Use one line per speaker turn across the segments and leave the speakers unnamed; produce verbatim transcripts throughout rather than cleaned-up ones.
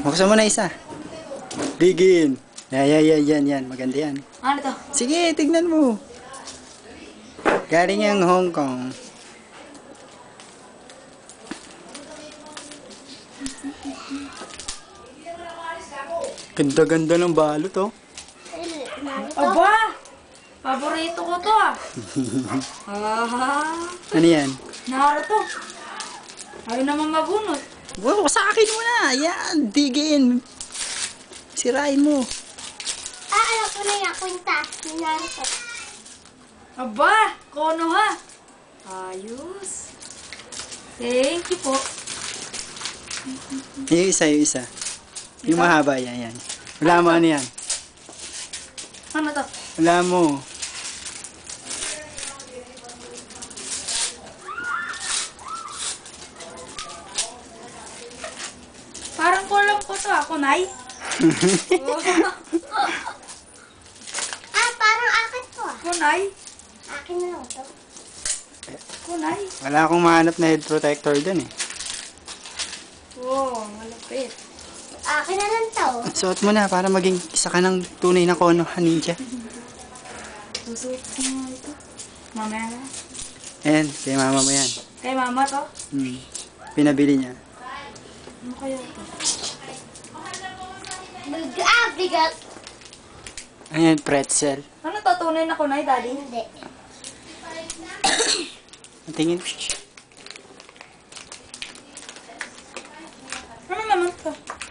Buksan mo na isa. Begin. Yan, yan, yan, yan, yan. Maganda yan.
Ano to?
Sige, tignan mo. Galing yung Hong Kong. Ganda-ganda ng balot, oh.
Aba! Paborito ko to ah. Ah.
Ano yan?
Naruto. Ayaw naman mabunot.
Wow, sa akin mo na. Yan, digin. Sirain mo.
Ah, alam ko na yung kwintas. Naruto.
Aba! Kono ha. Ayos. Thank you po.
Yung isa, yung isa. Yung mahaba, yan, yan. Wala mo ano yan.
Ano to?
Wala mo.
Parang kulang ko to ah. Kunay?
Ah, parang akin to ah.
Kunay?
Akin na lang to.
Kunay?
Wala akong mahanap na head protector dun eh.
Wow, malapit.
Akin na lang to.
Suot mo na para maging isa ka ng tunay na Konoha ninja.
Susuot ko nga ito. Mamaya na.
Ayan, kay mama mo yan.
Kay mama to?
Hmm. Pinabili niya.
Ano kaya ito?
Ah, bigat.
Ayan, pretzel.
Ano to? Tunay na kunay, daddy?
Hindi.
Tingin.
Ano naman to?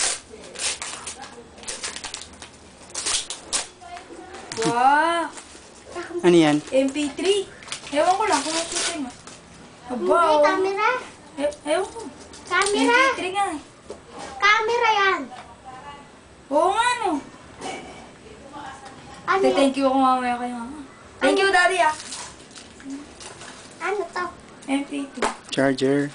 Wow!
Ano yan?
M P three. Ewan ko lang kung ano ito nga. Aba,
Hindi,
oh.
camera.
E- ewan ko.
Camera.
M P three nga eh.
Camera yan.
Oo nga no.
Ano
Te,
yan?
thank you ako mamaya kay mama. Thank you, daddy ah.
Ano to?
M P two.
Charger.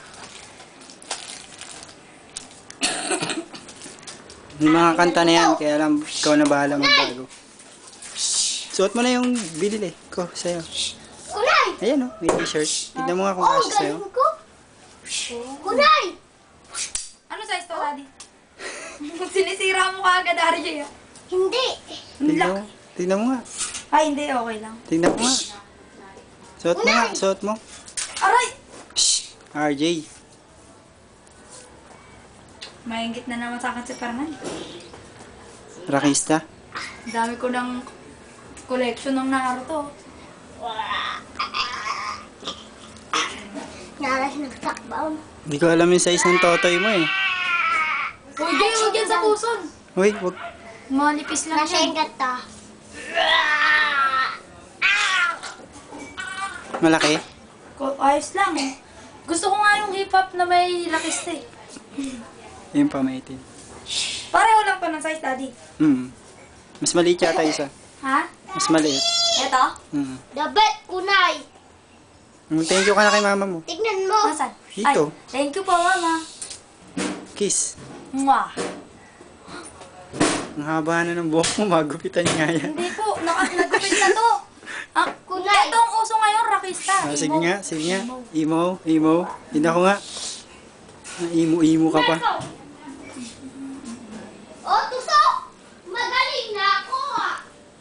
Yung mga kanta na yan, kaya lang ikaw na bahala magbago. Suot mo na yung binili ko sa'yo.
Kunay!
Ayan oh, may t-shirt. Tignan mo nga kung
Oh,
kasya sa'yo.
galing ko. Kunay!
Ano size to, daddy? Sinisira mo ka agad, Arjay ah.
Hindi.
Tignan mo, tignan mo nga.
Ay, hindi. Okay lang.
Tignan mo nga. Suot mo nga, suot mo.
Aray!
R J.
Maingit na naman sa akin si Fernan.
Rakista.
Ang dami ko ng collection ng Naruto.
Nalas nagtakbaon.
Hindi ko alam yung size ng totoy mo eh.
Uy, Jay, huwag yan sa puson.
Uy, wag.
Malipis lang
Nasa yung
yan.
gata.
Malaki.
Ko- Ayos lang eh. Gusto ko nga yung hip-hop na may lakista eh.
Yung pamaitin.
Pareho lang pa ng size, daddy.
Hmm. Mas maliit yata isa.
Ha?
Mas maliit.
Eto?
Hmm.
Dabet, kunay.
Mm, Thank you ka na kay mama mo.
Tignan mo.
Nasaan?
Dito.
Ay, thank you po, mama.
Kiss.
Mwah.
Ang haba na ng buhok mo, magupitan nga yan.
Hindi po, naka- nagupit na to. Ah,
Kunay.
ito ang uso ngayon, rakista.
Ah, sige
Emo.
nga, sige nga. Emo, emo. Tignan ko nga. Emo-emo ka pa.
Oh, tusok! Magaling na ako ah.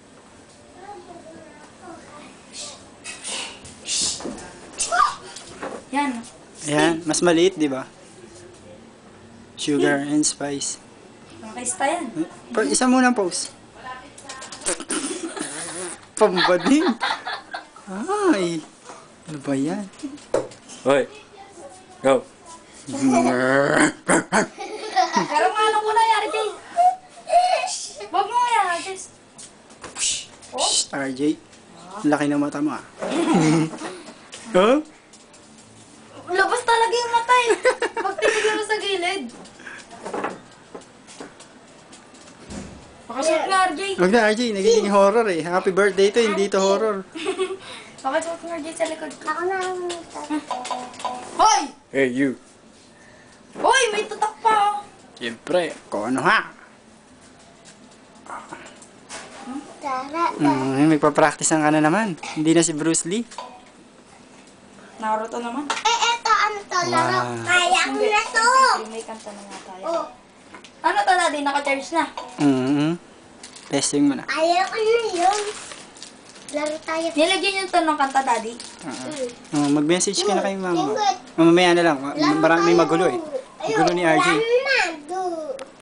Yan.
Ayan, mas maliit, di ba? Sugar and spice.
Rakista yan.
Pa, isa muna pose. Pambading. Ay. Ano ba yan?
Hoy. Go.
Pero nga ano ko na yan, Jay. Wag mo nga yan, Jess.
Shh, R J. Laki ng mata mo ah. Huh?
Labas talaga yung mata eh. Magtitigil mo sa gilid. Pakasuot nga, R J.
Huwag na R J, nagiging horror eh. Happy birthday to, hindi to horror.
Pakasuot nga, R J, sa likod ko.
Ako na ang
Hoy!
Hey, you.
Hoy, may tutak pa oh.
Siyempre, Konoha.
Tara,
Hmm, magpa-practice ka na naman. Hindi na si Bruce Lee.
Naruto naman.
Eh, eto, ano to, laro?
Wow.
Kaya ko na to.
May kanta na nga tayo.
Oh,
Ano to, Daddy? Naka-charge na.
Mm-hmm. Testing mo na.
Ayaw ko na yun. Laro tayo.
Nilagyan niyo to ng kanta, Daddy.
Oh, mag-message ka na kay mama.
Tinggot.
Mamaya na lang. Ma-
Laro
Marami
tayo.
magulo eh.
Ayun,
Gulo ni R J.
laro